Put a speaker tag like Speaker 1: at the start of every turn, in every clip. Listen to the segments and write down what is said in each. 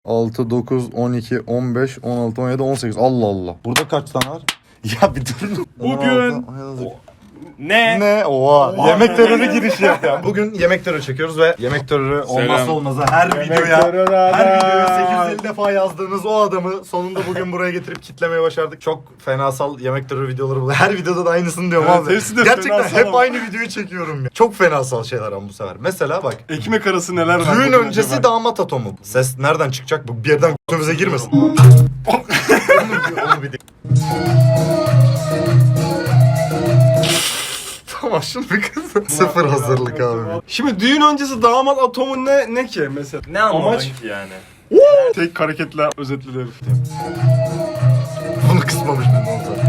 Speaker 1: 6, 9, 12, 15, 16, 17, 18. Allah Allah. Burada kaç tane var? Ya bir dur.
Speaker 2: Bugün... Ne?
Speaker 1: Ne? Oha. Yemek terörü girişi yapıyor. Bugün yemek terörü çekiyoruz ve yemek terörü olmazsa olmazı her videoya 850 defa yazdığınız o adamı sonunda bugün buraya getirip kitlemeye başardık. Çok fenasal yemek terörü videoları bu. Her videoda da aynısını diyorum
Speaker 2: Evet,
Speaker 1: abi.
Speaker 2: hepsi de
Speaker 1: Gerçekten
Speaker 2: fenasal
Speaker 1: hep
Speaker 2: ama.
Speaker 1: aynı videoyu çekiyorum ya. Çok fenasal şeyler ama bu sefer. Mesela bak.
Speaker 2: Ekmek arası neler var?
Speaker 1: Düğün
Speaker 2: bugün
Speaker 1: öncesi
Speaker 2: acaba?
Speaker 1: damat atomu. Ses nereden çıkacak? Bu bir yerden götümüze girmesin. onu bir Tamam şunu bir kız. Sıfır hazırlık abi.
Speaker 2: Şimdi düğün öncesi damat atomu ne ki mesela?
Speaker 3: Ne anladın
Speaker 2: Amaç-
Speaker 3: ki yani?
Speaker 2: Tek hareketle özetledi herif.
Speaker 1: Bunu kısmamış bundan sonra.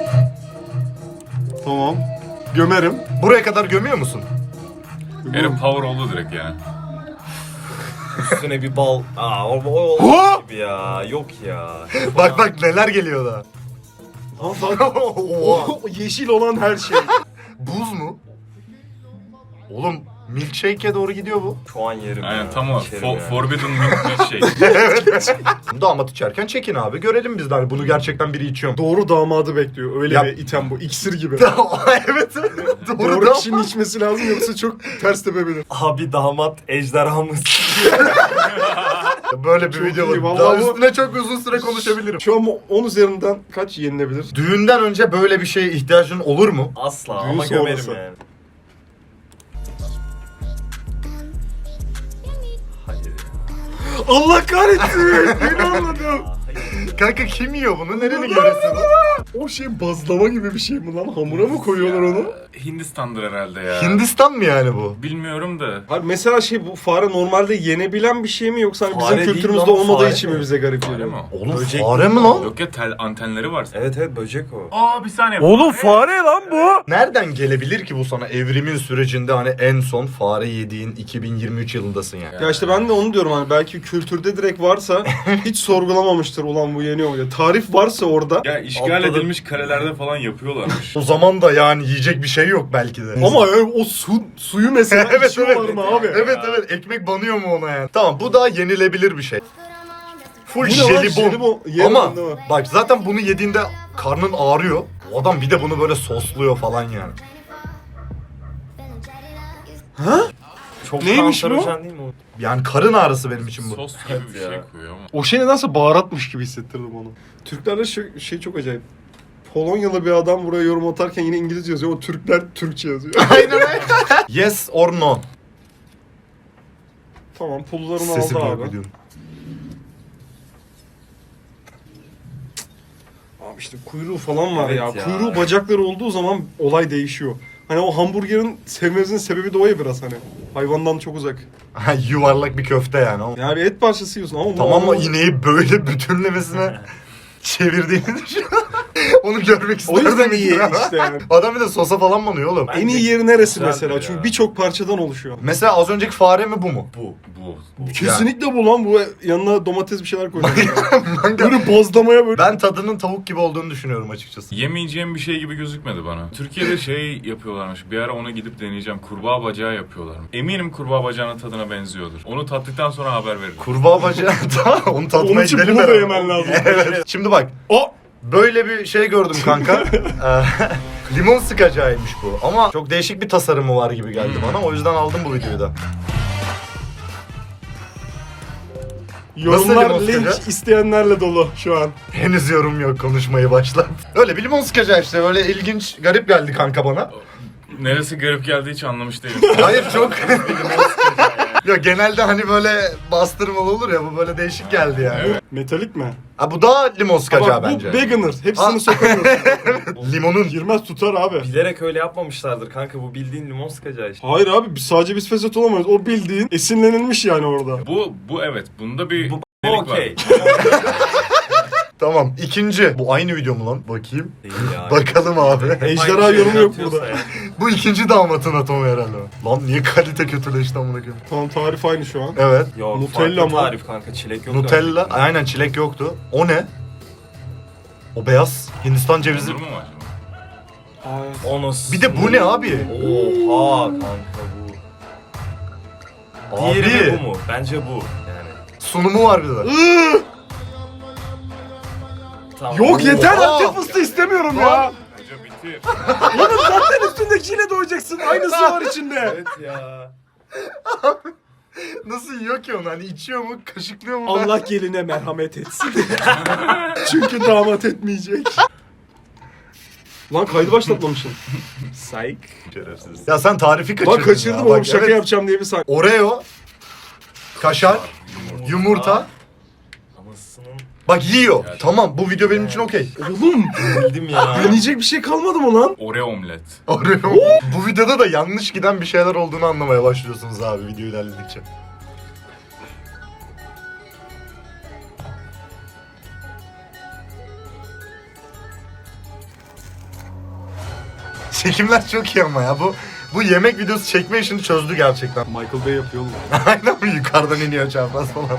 Speaker 2: Tamam. Gömerim.
Speaker 1: Buraya kadar gömüyor musun?
Speaker 4: Yani power oldu direkt yani.
Speaker 3: Üstüne bir bal. O
Speaker 2: Ha!
Speaker 3: gibi ya. Yok ya.
Speaker 1: Bak bak neler geliyor da.
Speaker 2: O yeşil olan her şey.
Speaker 1: Buz mu? Oğlum milkshake'e doğru gidiyor bu.
Speaker 3: Şu an yerim
Speaker 4: Aynen
Speaker 3: ya.
Speaker 4: tam o.
Speaker 3: İçerim yani.
Speaker 4: Forbidden milk şey.
Speaker 1: Damat içerken çekin abi. Görelim biz de hani bunu gerçekten biri içiyor mu?
Speaker 2: Doğru damadı bekliyor. Öyle
Speaker 1: Yap.
Speaker 2: bir item bu. İksir gibi.
Speaker 1: Evet.
Speaker 2: Doğru
Speaker 1: Doğru
Speaker 2: kişinin içmesi lazım yoksa çok ters tepebilir.
Speaker 3: Abi damat ejderhamız.
Speaker 1: Böyle bir
Speaker 2: Çok
Speaker 1: video
Speaker 2: iyi,
Speaker 1: var.
Speaker 2: vallahi
Speaker 1: Daha
Speaker 2: bu-
Speaker 1: üstüne çok uzun süre konuşabilirim.
Speaker 2: Şu an 10 üzerinden kaç yenilebilir?
Speaker 1: Düğünden önce böyle bir şeye ihtiyacın olur mu?
Speaker 3: Asla
Speaker 2: Düğün
Speaker 3: ama gömerim
Speaker 2: sonrası.
Speaker 3: yani. Hayır ya.
Speaker 2: Allah kahretsin! Beni anladım.
Speaker 3: Hayır.
Speaker 1: Kanka kim yiyor bunu? Nereni görüyorsun?
Speaker 2: O şey bazlama gibi bir şey mi lan? Hamura mı koyuyorlar onu?
Speaker 4: Hindistan'dır herhalde ya.
Speaker 1: Hindistan mı yani bu?
Speaker 4: Bilmiyorum da.
Speaker 2: Hayır, mesela şey bu fare normalde yenebilen bir şey mi yoksa hani
Speaker 3: Fare
Speaker 2: bizim
Speaker 3: değil
Speaker 2: kültürümüzde
Speaker 3: lan,
Speaker 2: olmadığı
Speaker 3: fare
Speaker 2: için
Speaker 3: mi?
Speaker 2: mi bize garip
Speaker 4: Fare
Speaker 2: geliyor?
Speaker 4: mi?
Speaker 1: Oğlum
Speaker 3: Böcek
Speaker 1: fare mi
Speaker 3: mi?
Speaker 1: lan?
Speaker 4: Yok ya antenleri var.
Speaker 3: Evet böcek o.
Speaker 4: Aa bir saniye.
Speaker 2: fare lan bu.
Speaker 1: Nereden gelebilir ki bu sana evrimin sürecinde hani en son fare yediğin 2023 yılındasın yani.
Speaker 2: Ya işte ben de onu diyorum hani belki kültürde direkt varsa hiç sorgulamamıştır ulan bu yeniyor mu diye. Tarif varsa orada
Speaker 4: Ya işgal
Speaker 3: Atladım.
Speaker 4: edilmiş karelerde falan yapıyorlarmış.
Speaker 1: O zaman da yani yiyecek bir şey yok belki de.
Speaker 2: ama o suyu mesela
Speaker 1: evet
Speaker 2: içiyorlar
Speaker 1: evet.
Speaker 2: mı abi?
Speaker 1: Evet evet ekmek banıyor mu ona yani? Tamam bu da yenilebilir bir şey. Full
Speaker 2: Bu ne lan?
Speaker 1: jelibon.
Speaker 2: Jelibon. Yerim
Speaker 1: Ama
Speaker 2: değil mi?
Speaker 1: bak zaten bunu yediğinde karnın ağrıyor. O adam bir de bunu böyle sosluyor falan yani.
Speaker 3: Çok
Speaker 2: Neymiş bu?
Speaker 3: kanserojen değil mi o?
Speaker 1: Yani karın ağrısı benim için bu.
Speaker 4: Sos gibi bir
Speaker 3: ya.
Speaker 4: şey koyuyor ama.
Speaker 2: O şey nedense baharatmış gibi hissettirdim onu. Türklerde şey çok acayip. Polonyalı bir adam buraya yorum atarken yine İngilizce yazıyor. O Türkler Türkçe yazıyor.
Speaker 1: Aynen öyle. Yes or no.
Speaker 2: Tamam pullarını
Speaker 1: Sesim
Speaker 2: aldı
Speaker 1: yok
Speaker 2: abi.
Speaker 1: biliyorum.
Speaker 2: Abi işte kuyruğu falan var
Speaker 3: Evet
Speaker 2: ya.
Speaker 3: ya.
Speaker 2: Kuyruğu bacakları olduğu zaman olay değişiyor. Hani o hamburgerin sevmemizin sebebi de o ya biraz hani. Hayvandan çok uzak.
Speaker 1: Ha, yuvarlak bir köfte yani. Ama
Speaker 2: Yani bir et parçası yiyorsun ama
Speaker 1: tamam mı
Speaker 2: o
Speaker 1: ineği böyle bütünlemesine çevirdiğini düşün. Onu görmek
Speaker 2: o
Speaker 1: isterdim.
Speaker 2: yüzden iyi işte yani.
Speaker 1: Adam bir de sosa falan banıyor oğlum.
Speaker 3: Ben-
Speaker 2: En iyi yeri neresi
Speaker 3: Güzeldir
Speaker 2: mesela?
Speaker 3: ya.
Speaker 2: Çünkü birçok parçadan oluşuyor.
Speaker 1: Mesela az önceki fare mi bu mu?
Speaker 4: Bu.
Speaker 2: Kesinlikle bu lan bu yanına domates bir şeyler koyuyor. Böyle bozlamaya böyle.
Speaker 1: Ben tadının tavuk gibi olduğunu düşünüyorum açıkçası.
Speaker 4: Yemeyeceğim bir şey gibi gözükmedi bana. Türkiye'de şey yapıyorlarmış. Bir ara ona gidip deneyeceğim. Kurbağa bacağı yapıyorlar. Eminim kurbağa bacağının tadına benziyordur. Onu tattıktan sonra haber veririm.
Speaker 1: Kurbağa bacağı tamam onu
Speaker 2: Onun
Speaker 1: tatmaya
Speaker 2: için
Speaker 1: gidelim
Speaker 2: bunu da
Speaker 1: beraber.
Speaker 2: yemen lazım.
Speaker 1: Evet. Şimdi bak
Speaker 2: O
Speaker 1: böyle bir şey gördüm kanka. Limon sıkacağıymış bu. Ama çok değişik bir tasarımı var gibi geldi bana. O yüzden aldım bu videoyu da.
Speaker 2: yorumlar
Speaker 1: limon
Speaker 2: link
Speaker 1: sıkacak?
Speaker 2: isteyenlerle dolu şu an.
Speaker 1: Henüz yorum yok konuşmayı başlat. Öyle bir limon sıkacağı işte böyle ilginç garip geldi kanka bana.
Speaker 4: Neresi garip geldi hiç anlamış değilim.
Speaker 1: Hayır çok. Ya genelde hani böyle bastırmalı olur ya bu böyle değişik geldi yani.
Speaker 4: Evet.
Speaker 2: Metalik mi?
Speaker 1: Ha bu da limon sıkacağı
Speaker 2: Bak,
Speaker 1: bence.
Speaker 2: bu beginner.
Speaker 1: Ha.
Speaker 2: Hepsini sokamıyorsun.
Speaker 1: Limonun
Speaker 2: Girmez tutar abi.
Speaker 3: Bilerek öyle yapmamışlardır kanka, bu bildiğin limon sıkacağı işte.
Speaker 2: Hayır abi sadece biz fesat olamayız. O bildiğin esinlenilmiş yani orada.
Speaker 4: Bu evet. Bunda bir
Speaker 3: Bu
Speaker 4: delik var.
Speaker 3: okey.
Speaker 1: tamam ikinci. Bu aynı video mu lan? Bakayım.
Speaker 3: Değil ya.
Speaker 1: Bakalım abi.
Speaker 2: Ejderha yorumu yok burada.
Speaker 1: Bu ikinci damatın atomu herhalde. Lan niye kalite kötüleşti amına koyayım?
Speaker 2: Tamam tarif aynı şu an.
Speaker 1: Evet.
Speaker 3: Yok,
Speaker 2: Nutella
Speaker 3: farklı
Speaker 2: mı?
Speaker 3: tarif kanka, çilek yok.
Speaker 1: Nutella. Aynen çilek yoktu. O ne? O beyaz Hindistan cevizi.
Speaker 4: Olur mu acaba?
Speaker 3: Onu.
Speaker 1: Bir de bu ne abi?
Speaker 3: Oha kanka bu. Diğeri mi
Speaker 1: Abi.
Speaker 3: bu mu? Bence bu. Yani.
Speaker 1: sunumu var bir de.
Speaker 3: Tamam.
Speaker 2: Yok yeter
Speaker 1: Oha!
Speaker 2: Antep fıstığı istemiyorum ya.
Speaker 4: Hoca bitti.
Speaker 2: Oğlum zaten üstündekiyle doyacaksın. Aynısı var içinde.
Speaker 3: Evet ya.
Speaker 1: Nasıl yiyor ki onu? Hani içiyor mu, kaşıklıyor mu?
Speaker 2: Allah geline merhamet etsin. Çünkü damat etmeyecek. Lan kaydı başlatmamışsın. Psych.
Speaker 1: Şerefsiz. Ya sen tarifi kaçırdın.
Speaker 2: Lan kaçırdım
Speaker 1: ya.
Speaker 2: oğlum
Speaker 1: Bak,
Speaker 2: şaka
Speaker 1: evet.
Speaker 2: yapacağım diye bir saniye.
Speaker 1: Oreo, kaşar, yumurta.
Speaker 3: Anasının
Speaker 1: Bak yiyor.
Speaker 4: Evet.
Speaker 1: Tamam bu video benim için okey.
Speaker 2: Oğlum
Speaker 3: bildim ya.
Speaker 2: deneyecek bir şey kalmadı mı lan?
Speaker 4: Oreo omlet.
Speaker 1: Oreo. Bu videoda da yanlış giden bir şeyler olduğunu anlamaya başlıyorsunuz abi video ilerledikçe. Çekimler çok iyi ama ya. Bu yemek videosu çekme işini çözdü gerçekten.
Speaker 2: Michael Bay yapıyor oğlum.
Speaker 1: Aynen mi? Yukarıdan iniyor çapraz falan.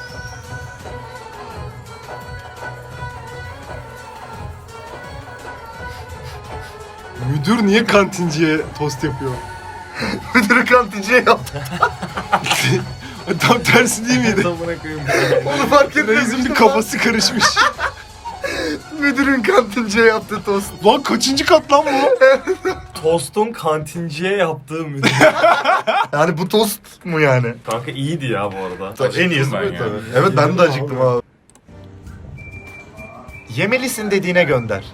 Speaker 2: Müdür niye kantinciye tost yapıyor?
Speaker 1: Müdürü kantinciye yaptı.
Speaker 2: Tam tersi değil miydi?
Speaker 3: Amına koyayım.
Speaker 1: Onu fark
Speaker 2: Reis'in
Speaker 1: etmemiştim.
Speaker 2: bir kafası karışmış.
Speaker 1: Müdürün kantinciye yaptığı tost.
Speaker 2: Lan kaçıncı kat lan bu?
Speaker 3: Tostun kantinciye yaptığı müdür.
Speaker 1: Yani bu tost mu yani?
Speaker 3: Kanka iyiydi ya bu arada.
Speaker 1: Tabii, en iyisi bu
Speaker 4: ben ya.
Speaker 1: tabii. Evet ben de
Speaker 2: Yemedim
Speaker 1: acıktım
Speaker 2: abi.
Speaker 1: abi. Yemelisin dediğine gönder.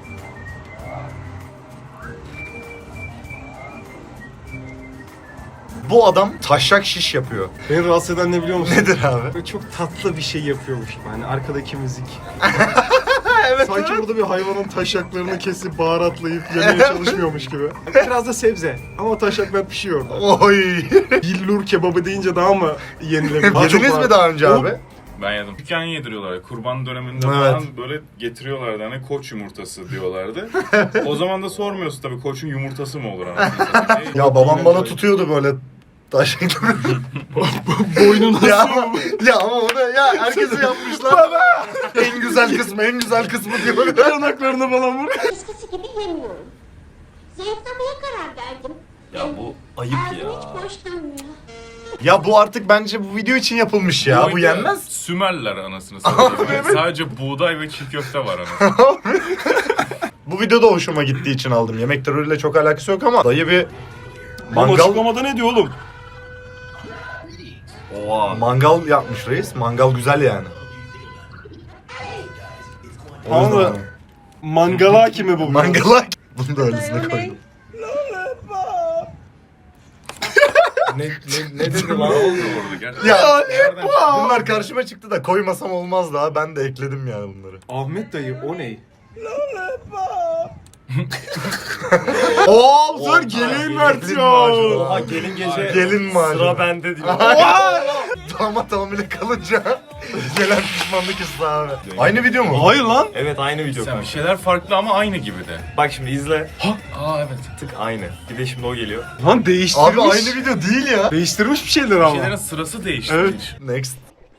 Speaker 1: Bu adam taşak şiş yapıyor.
Speaker 2: Beni rahatsız eden ne biliyor musun?
Speaker 1: Nedir abi?
Speaker 2: Böyle çok tatlı bir şey yapıyormuş gibi. Hani arkadaki müzik.
Speaker 1: Evet,
Speaker 2: Sanki burada bir hayvanın taşaklarını kesip baharatlayıp yemeye çalışmıyormuş gibi. Biraz da sebze. Ama taşaklar pişiyor orada.
Speaker 1: Oy.
Speaker 2: Billur kebabı deyince daha mı yenilebilir?
Speaker 1: Yediniz mi daha önce abi?
Speaker 4: Ben yedim. Dükkan yediriyorlar. Kurban döneminde
Speaker 1: Evet.
Speaker 4: falan böyle getiriyorlardı. Hani koç yumurtası diyorlardı. O zaman da sormuyorsun tabii koçun yumurtası mı olur anasını satayım.
Speaker 1: Ya babam bana tutuyordu böyle taşak.
Speaker 2: Boynuna
Speaker 1: ya, ya ama o da ya herkesi yapmışlar. En güzel kısmı en güzel kısmı diyor.
Speaker 2: yanaklarını falan vur.
Speaker 5: Eskisi gibi yemiyorum. Zayıflamaya karar verdim.
Speaker 3: Ya bu ayıp
Speaker 5: Ağzım
Speaker 3: ya.
Speaker 5: hiç boş durmuyor.
Speaker 1: Ya bu artık bence bu video için yapılmış ya. Bu
Speaker 4: oyunda
Speaker 1: yenmez.
Speaker 4: Sümerler anasını satayım. Sadece buğday ve çiğ köfte var anasını.
Speaker 1: Bu videoda hoşuma gittiği için aldım. Yemek terörüyle çok alakası yok ama dayı bir mangal
Speaker 2: Açıklamada ne diyor oğlum?
Speaker 3: Oha.
Speaker 1: mangal yapmış reis. Mangal güzel yani. O yüzden
Speaker 2: Anladın mı? Mangala hakimi bu.
Speaker 1: Mangala bunu da öylesine koydum.
Speaker 3: Ne dedi
Speaker 4: Ne
Speaker 3: lan?
Speaker 4: oldu orada gerçekten?
Speaker 1: Ya
Speaker 4: Nereden çıktı?
Speaker 1: bunlar karşıma çıktı da koymasam olmaz daha. Ben de ekledim yani bunları.
Speaker 2: Ahmet dayı o ne?
Speaker 1: Oo,
Speaker 2: Dur gelin versiyon.
Speaker 3: Oha gelin gece
Speaker 1: Gelin macunu.
Speaker 3: sıra bende diyor.
Speaker 1: Damat hamile kalınca gelen pişmanlık hissi abi. Aynı video mu?
Speaker 2: Hayır lan.
Speaker 3: Evet aynı video
Speaker 4: Sen
Speaker 3: kanka.
Speaker 4: bir şeyler farklı ama aynı gibi de.
Speaker 3: Bak şimdi izle.
Speaker 4: Aa evet.
Speaker 3: Tık aynı. Bir de şimdi o geliyor.
Speaker 2: Lan değiştirmiş.
Speaker 1: Abi aynı video değil ya.
Speaker 2: Değiştirmiş bir şeyler
Speaker 4: Bir
Speaker 2: ama.
Speaker 4: şeylerin sırası değişti.
Speaker 2: Evet.
Speaker 4: hiç.
Speaker 1: Next.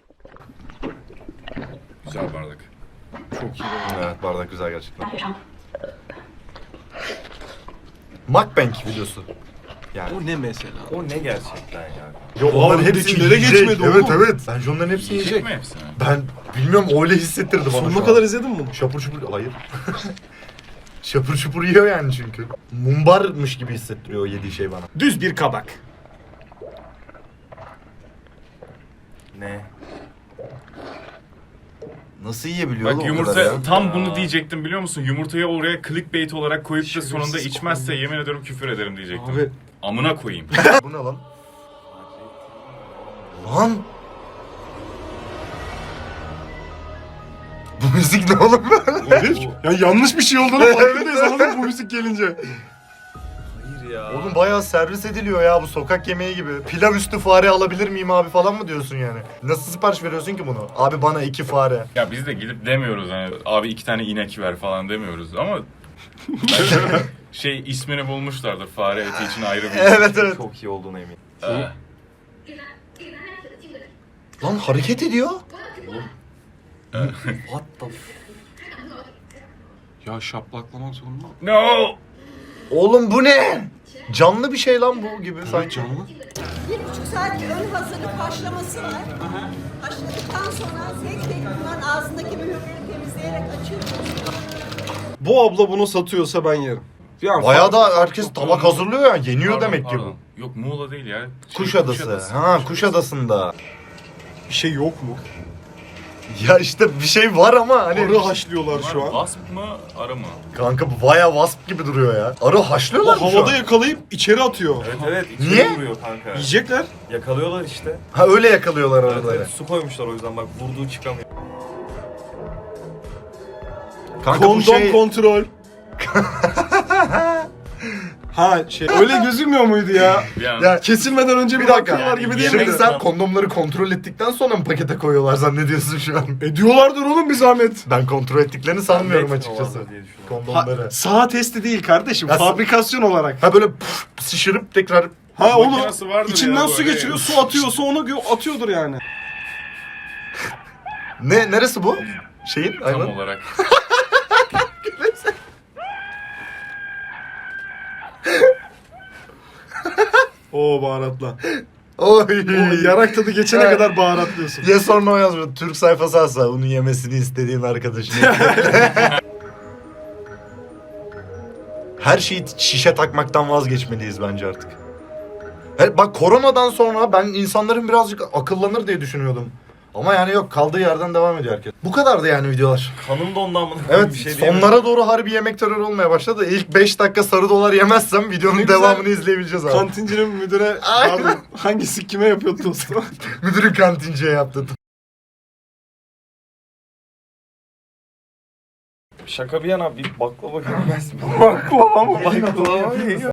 Speaker 4: Güzel bardak.
Speaker 2: Çok iyi.
Speaker 1: Evet bardak güzel gerçekten. Mukbang videosu. Yani.
Speaker 2: O ne mesela?
Speaker 3: O ne gerçekten ya?
Speaker 1: Yo, onların hepsini
Speaker 2: öndekilere
Speaker 1: yiyecek.
Speaker 2: geçmedi
Speaker 1: Evet
Speaker 2: oğlum.
Speaker 1: evet. Bence onların hepsini
Speaker 4: Yiyecek
Speaker 1: yiyecek.
Speaker 4: mi hepsini?
Speaker 1: Ben bilmiyorum öyle hissettirdi bana şu
Speaker 2: Sonuna
Speaker 1: an.
Speaker 2: kadar izledin mi bunu?
Speaker 1: Şapur şupur hayır. Şapur şupur yiyor yani çünkü. Mumbarmış gibi hissettiriyor o yediği şey bana.
Speaker 2: Düz bir kabak.
Speaker 3: Ne?
Speaker 1: Nasıl yiyebiliyor
Speaker 4: Bak yumurta tam bunu diyecektim biliyor musun? Yumurtayı oraya clickbait olarak koyup da sonunda içmezse yemin ediyorum küfür ederim diyecektim.
Speaker 2: Abi
Speaker 4: Amına koyayım.
Speaker 1: Bu ne lan? Lan! Bu müzik ne oğlum böyle?
Speaker 2: ya yanlış bir şey olduğunu farkındayız anladın mı bu müzik gelince?
Speaker 3: Hayır ya.
Speaker 1: Oğlum bayağı servis ediliyor ya bu sokak yemeği gibi. Pilav üstü fare alabilir miyim abi falan mı diyorsun yani? Nasıl sipariş veriyorsun ki bunu? Abi bana 2 fare.
Speaker 4: Ya biz de gidip demiyoruz hani abi 2 tane inek ver falan demiyoruz ama bence şey ismini bulmuşlardır fare eti için ayrı bir
Speaker 1: Evet evet.
Speaker 3: Çok iyi olduğuna eminim.
Speaker 1: Lan hareket ediyor.
Speaker 3: What the
Speaker 2: Ya şaplaklamak zorunda.
Speaker 4: No!
Speaker 1: Oğlum bu ne? Canlı bir şey lan bu gibi sanki.
Speaker 2: Canlı.
Speaker 6: 1,5 saat ön hazırlık başlaması var. başladıktan sonra tek tek bunların ağzındaki mühürleri temizleyerek açıyoruz.
Speaker 2: Bu abla bunu satıyorsa ben yerim. Yani
Speaker 1: Bayağı da herkes tabak hazırlıyor ya. Yeniyor
Speaker 4: Pardon,
Speaker 1: demek ki
Speaker 4: pardon.
Speaker 1: bu.
Speaker 4: Yok Muğla değil ya.
Speaker 1: Kuşadası. Ha, Kuşadası'nda.
Speaker 2: bir şey yok mu?
Speaker 1: Ya işte bir şey var ama hani...
Speaker 2: Arı haşlıyorlar şu an.
Speaker 4: Wasp mı arı mı?
Speaker 1: Kanka bu bayağı wasp gibi duruyor ya. Arı haşlıyorlar
Speaker 2: O
Speaker 1: mı şu
Speaker 2: havada
Speaker 1: an?
Speaker 2: yakalayıp içeri atıyor.
Speaker 3: Evet evet. içeri
Speaker 1: Niye?
Speaker 3: vuruyor kanka.
Speaker 2: Yiyecekler.
Speaker 3: Yakalıyorlar işte.
Speaker 1: Ha öyle yakalıyorlar
Speaker 3: Evet,
Speaker 1: arıları.
Speaker 3: evet, su koymuşlar o yüzden bak vurduğu çıkamıyor.
Speaker 1: Kanka bu
Speaker 2: Kondom
Speaker 1: şey...
Speaker 2: kontrol. Ha şey öyle gözükmüyor muydu ya?
Speaker 4: Yani
Speaker 1: Ya
Speaker 2: Kesilmeden önce bir
Speaker 1: bir dakika.
Speaker 2: bakıyorlar gibi değil
Speaker 1: Şimdi
Speaker 2: miydi?
Speaker 1: sen kondomları kontrol ettikten sonra mı pakete koyuyorlar zannediyorsun şu an?
Speaker 2: Ediyorlardır oğlum bir zahmet.
Speaker 1: Ben kontrol ettiklerini sanmıyorum
Speaker 3: Net
Speaker 1: açıkçası.
Speaker 3: olanlar diye düşünüyorum.
Speaker 1: Kondomları.
Speaker 2: Saha testi değil kardeşim.
Speaker 1: Ya
Speaker 2: Fabrikasyon olarak.
Speaker 1: Ha böyle puf, şişirip tekrar...
Speaker 2: Ha onu
Speaker 4: makinesi vardır
Speaker 2: içinden
Speaker 4: ya
Speaker 2: su
Speaker 4: böyle.
Speaker 2: geçiriyor, su atıyorsa onu atıyordur yani.
Speaker 1: Neresi bu? Şeyin?
Speaker 4: tam
Speaker 1: Hayvan.
Speaker 4: olarak.
Speaker 2: Oo baharatla.
Speaker 1: Oy.
Speaker 2: O yarak tadı geçene
Speaker 1: Evet.
Speaker 2: kadar baharatlıyorsun.
Speaker 1: Ya sonra o yazmış. Türk sayfası asla onun yemesini istediğin arkadaşına. Her şeyi şişe takmaktan vazgeçmeliyiz bence artık. Bak koronadan sonra ben insanların birazcık akıllanır diye düşünüyordum. Ama yani yok, kaldığı yerden devam ediyor herkes. Bu kadardı yani videolar.
Speaker 3: Kanım da ondan bunu
Speaker 1: Evet,
Speaker 3: bir şey diyemem.
Speaker 1: sonlara doğru harbi yemek terörü olmaya başladı. İlk 5 dakika sarı dolar yemezsem videonun
Speaker 2: Ne güzel.
Speaker 1: devamını izleyebileceğiz abi.
Speaker 2: Kantincinin müdüre
Speaker 1: Aynen.
Speaker 2: pardon, hangisi kime yapıyordu dostum?
Speaker 1: Müdürün kantinciye yaptı.
Speaker 3: Şaka bir yana bir baklava gelmez mi?
Speaker 2: Baklava mı?
Speaker 3: Baklava